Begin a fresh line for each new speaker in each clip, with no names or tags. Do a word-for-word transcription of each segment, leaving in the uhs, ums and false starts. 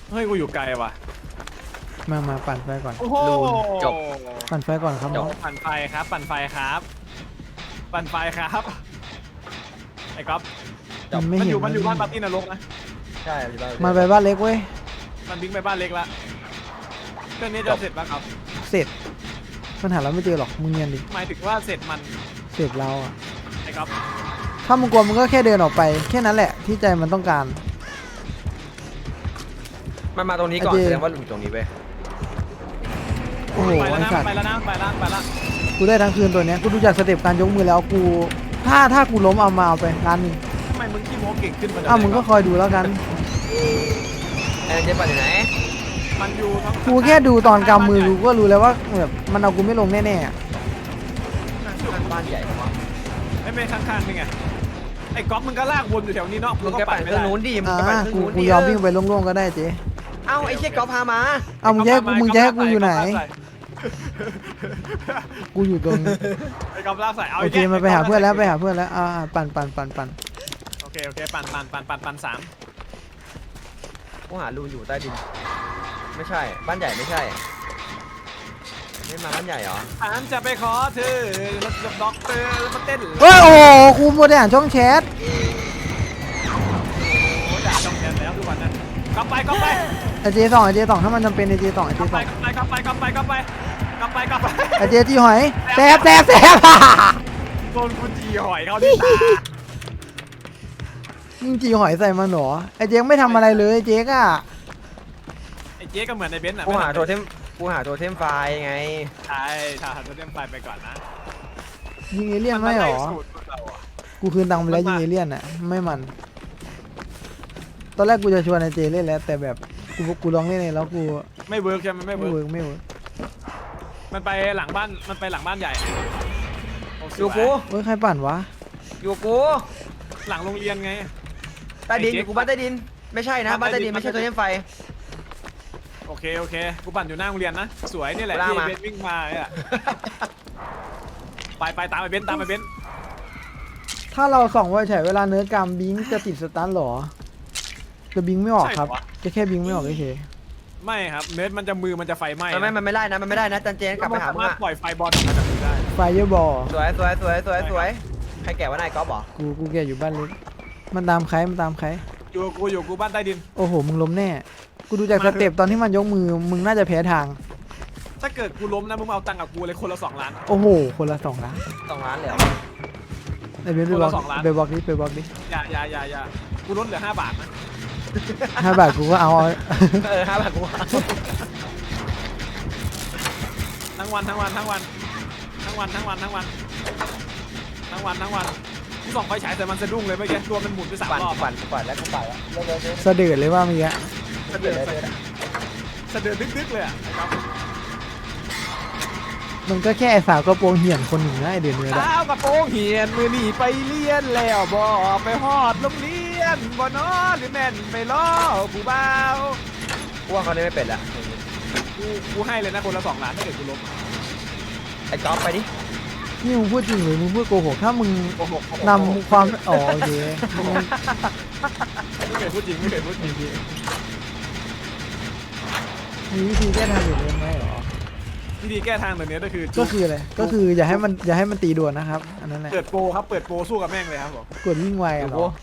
เฮ้ยกูอยู่ไกลว่ะ
มามาปั่นไฟก่อน
โอ้โห
จบ
ปั่นไฟก่อนครับน้อง
ปั่นไฟครับ ปั่นไฟครับ ปั่นไฟครับไอ้ก๊อฟ
มันไม่
มัน
เห็
อน ยู่มันอยู่บ้านปาร์ตี้นรกนะ
ใช่อยู่บ้าน
มันไปบ้านเล็กเว้ย
มันบิงไปบ้านเล็กละเครื่องนี้จะเสร็จป่ะครับ
เสร็จมันหาเราไม่เจอหรอกมึงเงียนดิ
หมายถึงว่าเสร็จมัน
เสร็จเราอะ
ไอ้ก๊อฟ
ถ้ามึงกลัวมึงก็แค่เดินออกไปแค่นั้นแหละที่ใจมันต้องการ
มันมาตรงนี้ก่อน
ไอ้เจ
แสดงว่าอยู่ตรงนี้เว้ย
โอ้โห
ไปแล้ว
ไอ้
นะ
สัตว์
ไปแล้วนะไปแล้วไปแล้ว
กูได้ทั้งคืนตัวเนี้ยกูดูจากสเต็ปการยกมือแล้วกูถ้าถ้ากูล้มเอามาเอาไปร้านหนึ่ง
ทำไมมึงขี้โม้เก่งขึ้นมา
อ้าวมึงก็คอยดูแล้วกัน
ไอ้เจ๊ปั่นอยู่ไหน
มันอยู่ทั้ง
กูแค่ดูตอนกำมือกูก็รู้แล้วว่าแบบมันเอากูไม่ลงแน่ๆอะ
ข้างบ้านใหญ่มาก
ไม่เป็นข้างๆนี่ไงไอ้ก๊อฟมึงก็ลากวนอยู่แถวนี้เนาะ
มึง
ก็
แก
ปั่
ปั่
น
น
ไม่
เครื่อง
ได้
นู้นดิมึง
อ่า
ก็ปั่นเครื่อง
กู
นู้น
กู
ดิ
ยอมวิ่งไปโล่งๆก็ได้เจ๊
เอ้าไอ้เชี่ยก๊อฟพามา
เอามึงจะให้กูมึงจะให้กูอยู่ไหน กูอยู่ตรง
ไอ้ก๊อฟลากใส่เอา
โอเคมาไปหาเพื่อนแล้วไปหาเพื่อนแล้วอ่าปั่นปั่นปั่นปั่น
โอเคโอเคปั่นปั่นปั่นปั่นปั่นสาม
กูหารูอยู่ใต้ดินไม่ใช่บ้านใหญ่ไม่ใช่ไม่มาบ้านใหญ่เหรอ
ฉันจะไปขอเธอรถกับด็อกเตอร์แล้วมาเต้น
เฮ้ยโอ้โหกูมัวแต่อ่านช่องแชท
โอ้ด่าช่องแชทแล้วทุกวันนะกลับไปกลับไป
ไอเจสองไอเจสองถ้ามันจำเป็นไอเจสองไอเจ
กลับ
ส
ไป
อง
กลับไปกลับไปกลับไปกลับไปกลับไปกลับไป
ไอเจจีหอยแซบแซบแซบ
โดนกูจีหอยเขาที่ตา
มึงจีหอยใส่มันเหรอไอเจ๊กไม่ทำอะไรเลยไอเจ๊กอะ
ไอ้เจ๊ก็เหมือนในเบนซ์อ่ะ
กูหาโทเทมกูหาโทเทมไฟล์ไง
ใช่ถ้าหันตัวเต็มไฟไปก่อนนะ
ยิงเอเลี่ยนไม่เหรอ
สูตเราอะ
กูคืนตังค์ไปแล้วยิงเอเลี่ยนอะไม่มัน ตอนแรกกูจะชวนไอเจเล่นแล้วแต่แบบกูกูลองเล่นเองแล้วกู
ไม่เวิร์กใช่ไหมไม่
ไม่
เวิ
เวิ
ร์ก
ร์กไม่เวิร์ก
มันไปหลังบ้านมันไปหลังบ้านใหญ่โสว
อยู่กู
เฮ้ยใครปั่นวะ
อยู่กู
หลังโรงเรียนไง
ใต้ดินอยู่กูบ้านใต้ดินไม่ใช่นะบ้านใต้ดินไม่ใช่โทเทมไฟ
โอเคโอเคกูปั่นอยู่หน้าโรงเรียนนะสวยนี่แหละ
ลาก
ที่
มา
เบนซ์วิ่งมาเนี่ยไปไปตามไปเบนซ์ตามไปเบนซ์
ถ้าเราส่องไว้ใช้เวลาเนื้อกรรมบิงจะติดสตันเหรอจะบิงไม่ออกครับจะแค่บิงไม่ออกเฉย
ไม่ครับเนิร์ดมันจะมือมันจะไฟไหม้
มันไม่มันไม่ได้นะมันไม่ได้นะจันเจนกลับไปหามึง
สรถ
อะ
ปล่อยไฟบอลออกมาจากมือได้
ๆไฟเยอะบอล
สวยสวยสวยสวยสวยใครแก่ว่านายก๊อฟเหรอ
กูกูแกอยู่บ้านเล็กมันตามใครมันตามใคร
อยู่กูอยู่กูบ้านใต้ดิน
โอ้โหมึงล้มแน่กูดูจากสเต็ปตอนที่มันยกมือมึงน่าจะแพ้ทาง
ถ้าเกิดกูล้มนะมึงมาเอาตังค์กับกูเลยคนละสองล้าน
โอ้โหคนละสองล้าน
สองล้านเลยเหรอ
ไอเบนไปบล็อก
คนละสองล้าน
ไปบล็อกดิไปบล็อกดิ
อย่าอย่าอย่าอย่ากูลดเหลือห้าบาทนะ
ห้าบาทกูก็เอา
เออห้าบาทกู
ทั้งวันทั้งวันทั้งวันทั้งวันทั้งวันทั้งวันทั้งวันทั้งวันกูส่องไฟฉายแต่มันสะดุ้งเลยเมื่อกี้ตัวมันหมุนไปสาม
ปั่น
รอบ
ปั่นปั่นแล้วกูปั่นแล้วเร็วเร็วเร็ว
สะเดือดเลยว่าเมื่อกี้
เร็วเร็วเร็ว
สะเดือดดึกๆเลยอ่ะครับ
มันก็แค่ไอ้สาวกระโปรงเหี่ยนคนหนึ่งนะไอเดือนเนื้อ
สาวกระโปรงเหียนมือหนีไปเรียนแล้วบ่ไปฮอดโรงเรียนบ่นอหรือแม่นไปล้อผู้บ่าว
กูว่าเขาเล่นไม่เป็นละ
กูกูให้เลยนะคนละสองล้านถ้าเกิดกูล้ม
ไอ้ก๊อฟไปดิ
นี่มึงพูดจริงหรือมึงพูดโกหกถ้ามึง
โกหกโกหก
นำความอ๋อโอเค
ไม่เคยพูดจริงไม่เคยพูดจริง
มีวิธีแก้ทางอื่นไหมเหรอ
วิธีแก้ทางแบบนี้ก็คือ
ก็คืออะไรก็คืออย่าให้มันอย่าให้มันตีด่วนนะครับอันนั้นแหละ
เปิดโปรครับเปิดโปรสู้กับแม่งเลยครับผม
กดวิ่งไว
อ
อะ
ยู่
เหร
กู
อ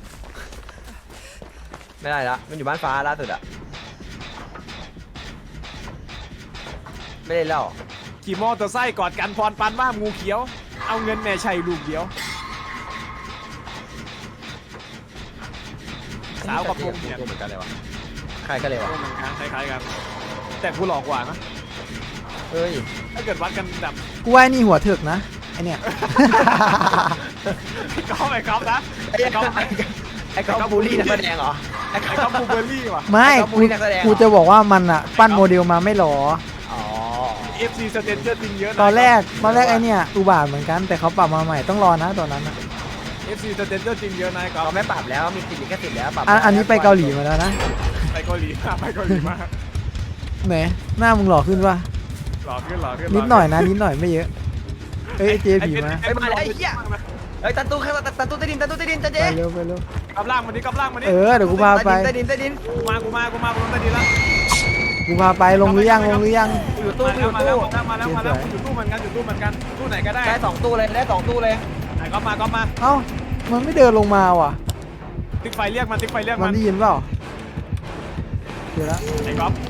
ไม่ได้ละมันอยู่บ้านฟ้าล่าสุดอะไม่ได้เล่า
ขี่มอเตอร์ไซค์กอดกันพรปันว่างูเขียวเอาเงินแม่ชัยลูกเดียวสาวกับพงเหียน
เหมือนกันเลยวะใครกันเลยวะ
ก็เหมือนกันคล้ายๆกันแต่กูหลอกกว่านะ
เฮ้ย
ถ้าเกิดวัดกันแบบ
กูว่าไอ้นี่หัวเถิกนะไอเนี่ย
ก๊อฟไอ้ก๊อฟนะ
ไอ้ก๊อฟไอ้ก๊อฟบูลลี่นักแสดงเหรอไอ้
ไอ้
ก๊
ก๊
อ
อ
ฟ
ฟบูเบอร์รี่ว่ะ
ไม่
ไอ้ก๊อฟ
กู
บูลลี่นักแสดงเหรอ
กูจะบอกว่ามันอะปั้นโมเดลมาไม่หรอ
อ๋อ
เอฟซีสเตนเจอร์จริงเยอะนะ
ตอนแรกตอนแรกไอเนี่ยอุบาทเหมือนกันแต่เขาปรับมาใหม่ต้องรอนะตอนนั้นอะ
เอฟซีสเตนเจอร์จริงเยอะนะไอ้ก๊อฟ
เขาไม่ปรับแล้วมีติดลิขสิทธิ์แล้วปรับ
อันอันนี้ไปเกาหลีมาแล้วนะ
ไปเกาหลีมากไปเกาหลีมาก
ไหนหน้ามึงหล่อขึ้นปะ
หล่อขึ้นหล่อขึ้น
นิดหน่อยนะนิดหน่อยไม่เยอะเอ้ยเจผีมา
ไอ้มาไอ้เหี้ย
เฮ้ยตันตู้ข้างตันตู้ใต้ดินตันตู้ใต้ดินจันเจ
ไปเร็วไปเร็ว
กลับล่างมาดิกลับล่างมาดิ
เออเดี๋ยวกูพาไป
ใต้ดินใต้ดิน
กูมากูมากูมากูลงใต้ดินแล้ว
กูพาไปลงหรือยังลงหรือยัง
อยู่ตู้
มา
อยู่
แล้ว
ตู้
มาแล้วมาแล้วมาแล้วอยู่ตู้เหมือนกันอยู่ตู้เหมือนกันตู้ไหนก็ได้
ได้สองตู้เลยได้สองตู้เลย
ไหนก็มาก็มา
เอ้ามันไม่เดินลงมาว่ะ
ติ๊กไฟเรียกมันติ๊กไฟเรียก
มั
มัน น
ได้ยินเปล่าเดี๋ยวละ
ไอ้ก๊อฟ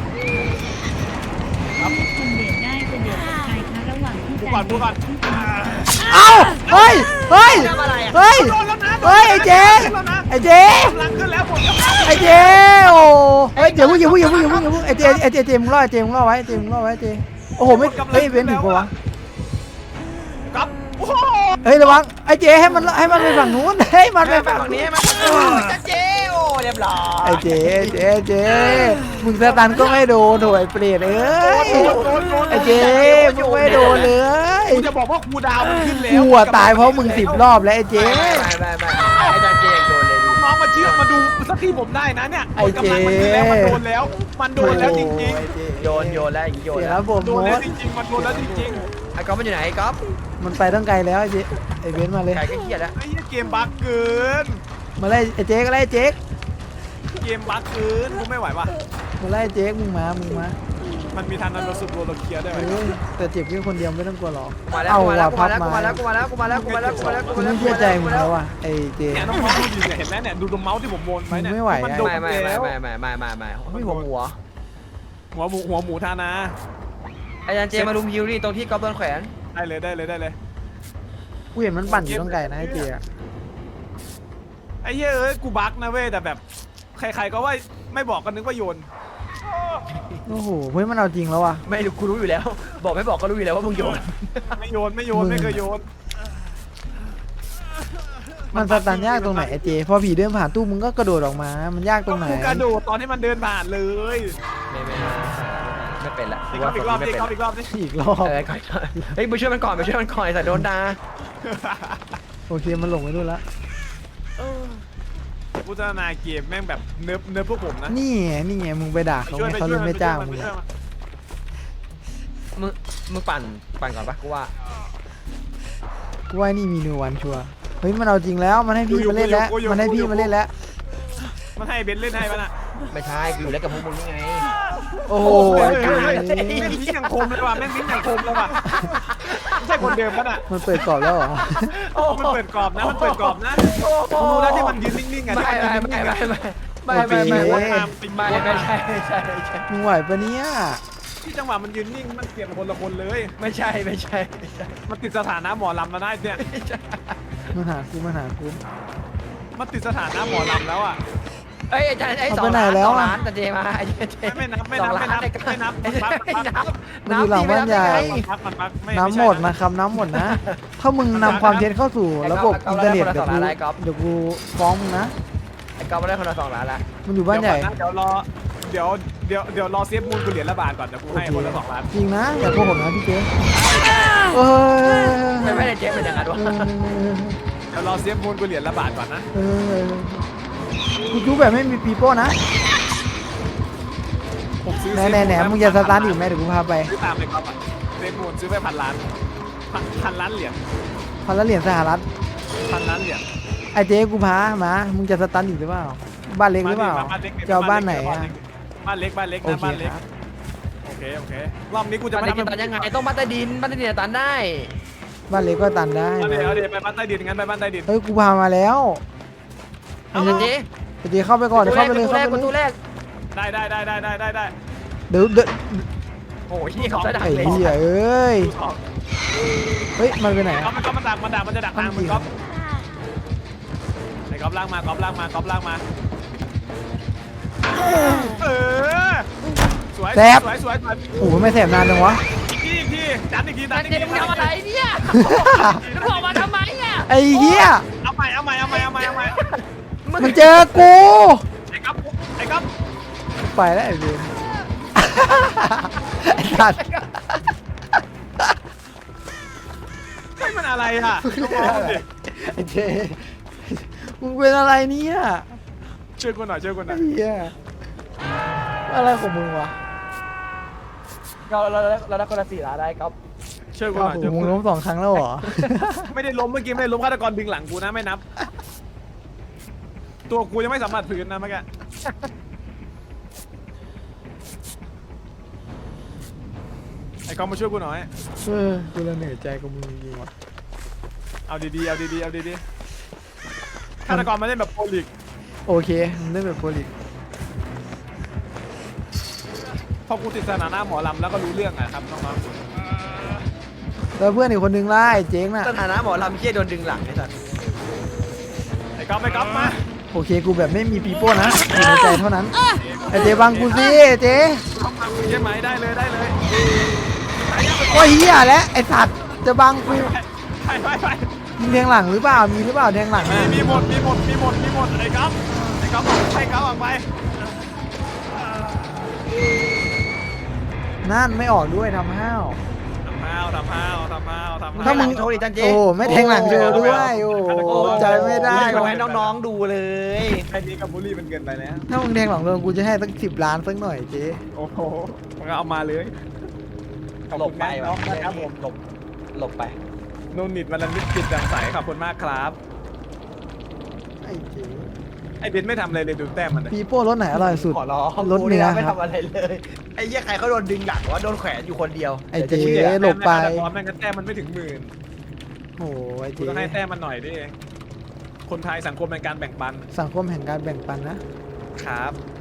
คนเดทได้จะเดทกับใครคะระหว่างที่
พูดก่อนพูดก่อน
เอ้าเฮ้ยเฮ้ย
ทำอะไรอ่ะ
เฮ้ย
โดนแล้วนะ
เฮ้ยไอ้เจ
โดนแล้วนะ
ไอ้เจ
กำลังขึ้นแล้วผมกำลัง
ไอ้เจโอ้เฮ้ยเดี๋ยวพูดอย่าพูดอย่าพูดอย่าพูดอย่าพูดไอ้เจไอ้เจเจมึงรอไอ้เจมึงรอไว้ไอ้เจมึงรอไว้ไอ้เจโอ้โหไม่เฮ้ยเว้นถึงปะวะ
ก๊อฟโอ้โห
เฮ้ยระวังไอ้เจให้มันให้มันไปฝั่งนู้นให้มันไป
ไป
ฝั่ง
ฝั่ง
นี้
นี้มาจันเจโอ้เรียบร้อย
ไอ้เจเจเจมึงสตันก็ไม่โดนโถไอ้เปรตเอ้ย
โดนโดนโดน
ไอ้เจมึงไม่โดนเลย
กูจะบอกว่าครูดาวมันขึ้นแล้ว
กูอะตายเพราะมึงสิบรอบแล้วไอ้เจ
ไม่ไม่ไม่ไม่ไอ้จันเจยังโดนเลยดู
น้องมาเชื่อมาดูสักทีผมได้นะเนี่ย
ไอ้เจ
กำลังมันขึ้นแล้วมันโดนแล้ว มันโดนแล้วจริง
โยนโยนแล้วโยน
เดี๋ยว
แล้
แล้ว วผม
ๆ โด
โม
นแล้ว
ด
จริงๆมันโดนแล้วจริง
ไอ้ก๊อฟมันอยู่ไหนไอ้ก๊อฟ
มันไปตั้งไกลแล้วไอ้เจไอ้เบนซ์มาเลย
ไก่ก็เครียดแล้ว
ๆไอ้เหี้ยเกมบั๊กเกิน
มาไล่ไอ้เจ๊ก็ไล่เจ๊ก
เกมบั๊กเกินกูไม่ไหวว่ะ
มาไล่เจ๊กมึงมามึงมา
มันมีทันนั้นเราสุดโรลเคลียร์ได้ไหม
เออแต่เจ็บแค่คนเดียวไม่ต้องกลัวหรอก
มาแล้ว
เอา
กูมาแล้ว
ว่ะ
กู
พั
มา
บ
แล้ว
มา
กูมาแล้วกูมาแล้วกูมาแล้วกูมาแล้วกูมาแล้วกู
กู
มาแล้ว
ไม่เชื่อใจมึงแล้วว่ะไอ้เจ๊
เนี่ยน้องๆดูดิเนี่ยเห็นไหมเนี่ยดูตรงเมาส์ที่ผมโมนไว้เนี่ย
ไม่ไหว
มัน
อะ
โดน
ไม่ไม่ไม่
แล้ว
ไม่ไม่ไม่ไม่ไม่ไม่หัวหัว
หัวหมูหัวหมูทานา
ไอ้จันเจมาลุมฮิวรี่ตรงที่ก๊อฟโดนแขวน
ได้เลยได้เลยได้เลย
กูเห็นมันปั่นอยู่ตั้งไกลนะไอ้เจ๊อะ
ไอ้เหี้ยเอ้ยกูบั๊กนะเว้ยแต่แบบใครๆก็ว่าไม่บอกกันนึกว่าโยน
โอ้โหเฮ้ยมันเอาจริงแล้วว่ะ
ไม่รู้กูรู้อยู่แล้ว บอกไม่บอกก็รู้อยู่แล้วว่ามึงโยน
ไม่โยนไม่โยนไม่เคยโยน
มันสตันยากตรงไหนไอ้เจ๊พอผีเดินผ่านตู้มึงก็กระโดดออกมา มันยากตรงไหน
กูกระโดดตอนที่มันเดินผ่านเลย
ไม่ไม่ไม่เป็นละ
อีกรอบอีกรอบอีกรอบอีกรอบนี่
อีกรอบ
เออก่อนเฮ้ยไปช่วยมันก่อนไปช่วยมันก่อนไอ้สัตว์โดนด่า
โอเคมันหลงไปนู่นละ
กูจะนาเกมแม่งแบบเนิร์ฟเนิร์ฟพวกผมนะ
นี่ไงนี่ไงมึงไปด่าเขา
ช่วย
ไง
ไป
เขา
ช่
เล
วย
ย
มัน
ไม่จ้าง
ไป
มึง
ช่วย
อะ
มัน
มึงมึงปั่นปั่นก่อนปะกูว่า
กูว่านี่มีนิววันชัวร์เฮ้ยมันเอาจริงแล้วมันให้พี่มาเล่นแล้วมันให้พี่มาเล่นแล้ว
มันให้เบนเล่นให้มันอ่ะ
ไม่ใช่กูอยู่แล้วกับพวกมึงนี่ไง
โอ้โห
เฮ้ย
ไอ้
เฮ้ย
เจ๊
เฮ้ยแม่งลิ้นยังคมเลยว่ะแม่งลิ้นยังคมเลยว่ะไม่ใช่คนเดิมปะน่ะ
มันเปิดกรอบแล้วเหรอ
มันเปิดกรอบนะมันเปิดกรอบนะมึงรู้แล้วที่มันยืนนิ่งๆอ่ะ
ไม่
ที่มัน
ไม่
ยืน
ไม่
นิ่งๆ
ไม่
อ่ะ
ไม่ไม่ไม่ไม่
โอเค
ไม่ไม่ใช่ไม่ใช่ไม่ใช่
มึงไหวปะเนี่ย
ที่จังหวะมันยืนนิ่งมันเปลี่ยนคนละคนเลย
ไม่ใช่ไม่ใช่ไม่ใช่
มันติดสถานะหมอลำมาได้เนี่ย
มันหากูมันหากู
มันติดสถานะหมอลำแล้วอ่ะ
เอ้ยอาจารย์ไอ้สอง
เอาไปไหน
ล้าน
แล้
ส
ว
อง
อะ
ล้านแต่เจมาไอ้เจ
ไม่นับไม่นับไม่นับไม่นับ
ไม่นับ
ไม่นับ
มันอยู่หลังบ้านใหญ่
มันพักมันพักไม่
น้ำหมดนะครับน้ำหมดนะ ถ้ามึงนำความเท็จเข้าสู่ระบบอินเทอร์เน็ตเดี๋ยวกูเดี๋ยวกูฟ้องมึงนะ
ไอ้ก๊อฟมาได้คนละสองล้านละ
มันอยู่บ้านใหญ่
เดี๋ยวรอเดี๋ยวเดี๋ยวเดี๋ยวรอเซฟมูลกูเหรียญละบาทก่อนเดี๋ยวกูให้คนละสองล้าน
จริงนะอย่าโกหกนะพี่เจ๊เออ
ไม่ไม่ได้เจ๊เป็นอย่างนั้นวะ
เดี๋ยวรอเซฟมูลกูเหรียญละบาทก่อนนะ
เออกูจูแบบไม่มีปีโป้นะ
ผมซื้อ
แหน่แหน่แหน่มึงจะสตาร์ทอีกไหมเดี๋ยวกูพาไป
ซื้อตามเลยครับอ่ะเซฟมูลซื้อไปพันล้านพันพันล้านเหรียญ
พันละเหรียญสหรัฐ
พันล้านเหรียญ
ไอ้เจ๊กูพามามึงจะสตาร์ทอีกหรือเปล่าบ้านเล็กหรือเปล่าจะเอาบ้านไหนอะ
บ้านเล็กบ้านเล็ก
โอ
นะ
เค
บ้านเล็ก
ครับ
โอเคโอเครอบนี้กูจะ
จะ
ไม่
มา
ทำ
ตันยังไงต้องบ้านใต้ดินบ้านใต้ดินตันได้
บ้านเล็กก็ตันได้
เอาเดี๋ยวเอาเดี๋ยวไปบ้านใต้ดินงั้นไปบ้านใต้ดิน
เฮ้ยกูพามาแล้ว
เอาเจ๊
ไอ้เจ๊เข้าไปก่อนเข้าไปเลย
ประตู
เข้า
แรก
ไป
ประตู
เลย
แรก
ได้ได้ได้ได้ได้ได้ได้
เดี๋ยวเดี๋ยว
โอ้ยที่เขาจะดัก
ไอ้
เลย
เหี้ยเอ้ย
ดูสอง
เฮ้ยมันไปไหน
ก๊อ
อะ
ฟมันก๊อฟมันดักมันดักมันจะดักทางมันก๊อฟไอ้ก๊อฟล่างมาก๊อฟล่างมาก๊อฟล่างมาเออสวยสวยสวยสวย
โอ้โหไม่แสบนานจังวะ
อีกทีอีกทีดันอีกทีดั
ตั
น
น
อีก
เจ๊
ที
มึงทำอะไรเนี่ยมึงบอกมาทำไมอ่ะ
ไอ้เหี้ย
เอาใหม่เอาใหม่เอาใหม่เอาใหม่เอาใหม่
มันเจอกู
ไอ้ก๊อฟไอ้ก๊อฟ
ไปแล้วไอ้เบนไอ้สัตว์
ไอ้มันอะไรอ่ะน้องๆดิ
ไอ้เจมึงเป็นอะไรเนี่ย
ช่วยกูหน่อยช่วยกูหน่
ไอ้
อย
เหี้ยอะไรของมึงวะ
เราเราเราได้คนละสี่ล้านได้ก๊อฟ
ช่วยกูห
ก้าว
น่อย
หู
ช่วย
มึ
กู
ง
หน่
ล้
อย
มสองครั้งแล้วเหรอ
ไม่ได้ล้มเมื่อกี้ไม่ได้ล้มฆาตกรดึงหลังกูนะไม่นับ ตัวกูยังไม่สัมผัสพื้นนะเมื่อกี้ไอ้กองมาช่วยกูหน่อย
เออกูละเหนื่อยใจกับมึงจริงๆว่ะ
เอาดีๆเอาดีๆเอาดีๆฆาตกรมาเล่นแบบโปรลิก
โอเคมันเล่นแบบโปรลิก
พอกูติดสถานะหมอลำแล้วก็รู้เรื่องอะครับน้อง
แล้วเพื่อนอีกคนนึงล่ะไอ้เจ๊งน่ะ
สถานะหมอลำเคี้ยโดนดึงหลังไอ้สัตว์
ๆไอ้ก๊อฟไอ้ก๊อฟมา
โอเคกูแบบไม่มีปีโป้นะอยู่ในใจเท่านั้นไอ้เจ๊บังกูสิเจ๊
เข้ามากูใช่ไหมได้เลยได้เลย
โอ้ยเหี้ยแล้วไอ้สัตว์จะบังกู
ไปไปไป
มีแทงหลังหรือเปล่ามีหรือเปล่าแทงหลัง
มี
อะ
มีหมดมีหมดมีหมดมีหมดไอ้ก๊อฟไอ้ก๊อฟบอกให้ก๊อฟออกไป
นั่นไม่ออกด้วยทำห้าว
ทำห้าวทำห้าวทำห้าวทำห้าว
ถ้ามึง
โชว์ดิจันเจ
โอ้ไม่แทงหลังโชว์ด้วยโอ้ใจไม่ได้
โชว์
ว่ะ
ให้น้องๆดูเลย
ไอ้นี่กับบุรี่มันเกินไปแล้ว
ถ้ามึงแทงหลังโดนกูจะให้สักสิบล้านสักหน่อยเจ๊
โอ้โหมันก็เอามาเลย
หลบไป
น้อง
วะ
นะครับผม
หลบหลบไป
โนนิดวันละนิดจิตแจ่มใสขอบคุณมากครับ
ไอ้เจ๊
ไอ้เบนไม่ทำอะไรเลยดูแต้มมันเลย
ปีโป้รถไหนอร่อยสุด
ขอร้อง
รถเนื้อ
ไม่
ครับ
ทำอะไรเลย ไอ้เหี้ยใครเขาโดนดึงหลังวะโดนแขวนอยู่คนเดียว
ไอ้เจ๊
ดี๋ยวจะชื่อ
หลบไป
แต้มแม่งก็แต้มมันไม่ถึงหมื่น
โอ้ไอ้
กู
เจ๊
ต้องให้แต้มมันหน่อยดิคนไทยสังคมในการแบ่งปัน
สังคมแห่งการแบ่งปันนะ
ครับ